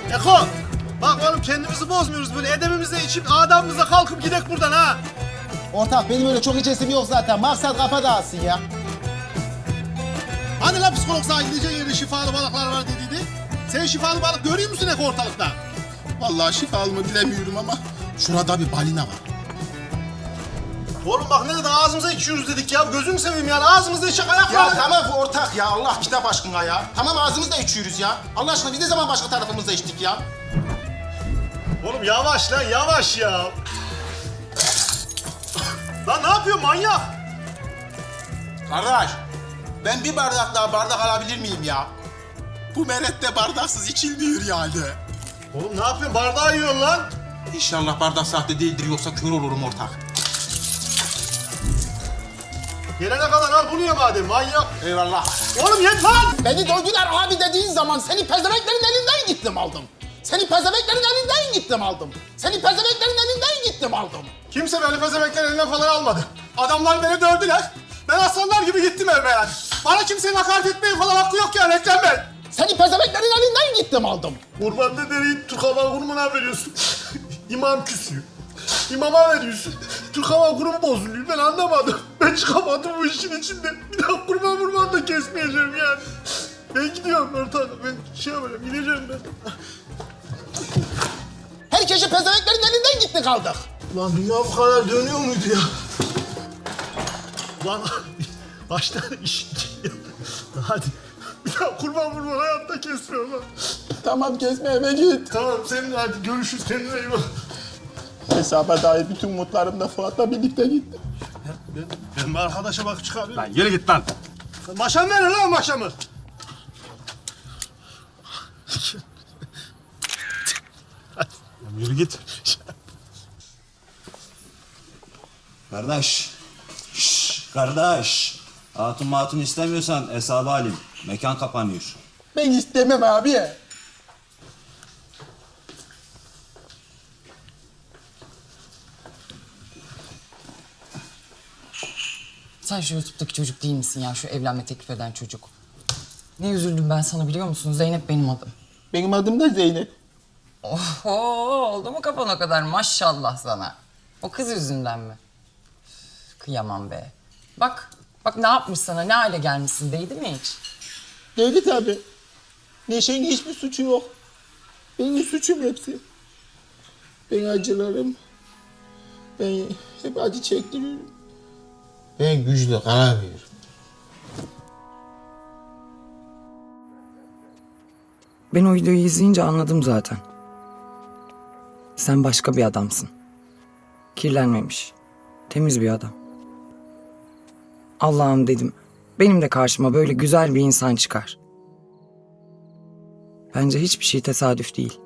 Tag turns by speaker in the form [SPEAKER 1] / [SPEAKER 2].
[SPEAKER 1] Eko! Bak oğlum kendimizi bozmuyoruz böyle edebimize içip adamımıza kalkıp gidek buradan ha.
[SPEAKER 2] Ortak benim öyle çok içesim yok zaten. Maksat kafa dağılsın ya.
[SPEAKER 1] Hani la psikolog sana gideceğin yerde şifalı balıklar var dediydi. Sen şifalı balık görüyor musun Eko ortalıkta?
[SPEAKER 3] Vallahi şifalı mı bilemiyorum ama şurada bir balina var.
[SPEAKER 1] Oğlum bak ne dedi ağzımıza içiyoruz dedik ya. Gözünü seveyim yani ağzımızda içecek ayak
[SPEAKER 3] Ya
[SPEAKER 1] var.
[SPEAKER 3] tamam ortak ya Allah kitap aşkına ya. Tamam ağzımızda içiyoruz ya. Allah aşkına biz ne zaman başka tarafımızda içtik ya?
[SPEAKER 1] Oğlum yavaş lan yavaş ya. Lan ne yapıyorsun manyak?
[SPEAKER 3] Kardeş ben bir bardak daha bardak alabilir miyim ya? Bu merette bardaksız içilmiyor yani.
[SPEAKER 1] Oğlum ne yapıyorsun bardağı yiyorsun lan.
[SPEAKER 3] İnşallah bardak sahte değildir yoksa kör olurum ortak.
[SPEAKER 1] Gelene kadar al bunu ye madem manyak.
[SPEAKER 3] Eyvallah.
[SPEAKER 1] Oğlum yet lan.
[SPEAKER 2] Beni dövdüler abi dediğin zaman seni pezemeklerin elinden gittim aldım. Seni pezemeklerin elinden gittim aldım. Seni pezemeklerin elinden gittim aldım.
[SPEAKER 1] Kimse beni pezemekler elinden falan almadı. Adamlar beni dövdüler. Ben aslanlar gibi gittim evime yani. Bana kimsenin hakaret etmeye falan hakkı yok yani Ekrem Bey.
[SPEAKER 2] Seni pezemeklerin elinden gittim aldım.
[SPEAKER 1] Kurban dedeyi Türk Hava Kurumu'na veriyorsun. İmam küsüyor. İmama veriyorsun. Türk Hava Kurumu bozuluyor. Ben anlamadım. Ben çıkamadım bu işin içinde. Bir daha kurban da kesmeyeceğim yani. Ben gidiyorum ortadan. Ben şey yapacağım. Gideceğim ben.
[SPEAKER 2] Herkesi pezemeklerin elinden gitti kaldık.
[SPEAKER 1] Lan dünya bu kadar dönüyor muydu ya? Lan kaç tane iş ya. Hadi. Bir daha kurban hayatta kesmiyorum lan.
[SPEAKER 2] Tamam kesme eve git.
[SPEAKER 1] Tamam senin hadi görüşürüz kendine iyi bak.
[SPEAKER 2] Hesaba dair bütün umutlarım da Fuat'la birlikte gitti.
[SPEAKER 1] Ben bir arkadaşa bak çıkarıyorum.
[SPEAKER 4] Lan yürü git lan.
[SPEAKER 1] Maşam verin lan maşamı.
[SPEAKER 4] Lan yürü git.
[SPEAKER 5] Kardeş. Şşş kardeş. Hatun matun istemiyorsan hesabı alayım. Mekan kapanıyor.
[SPEAKER 2] Ben istemem abi.
[SPEAKER 6] Sen şu YouTube'daki çocuk değil misin ya? Şu evlenme teklif eden çocuk. Ne üzüldüm ben sana biliyor musun? Zeynep benim adım.
[SPEAKER 2] Benim adım da Zeynep.
[SPEAKER 6] Oho, oldu mu kafan o kadar? Maşallah sana. O kız yüzünden mi? Üf, kıyamam be. Bak ne yapmış sana? Ne hale gelmişsin? Değdi mi hiç?
[SPEAKER 2] Değdi tabii. Neşe'nin hiçbir suçu yok. Benim suçum hepsi. Ben acılarım. Ben hep acı çektiriyorum. Ben güçlü kalamıyorum.
[SPEAKER 6] Ben o videoyu izleyince anladım zaten. Sen başka bir adamsın. Kirlenmemiş. Temiz bir adam. Allah'ım dedim. Benim de karşıma böyle güzel bir insan çıkar. Bence hiçbir şey tesadüf değil.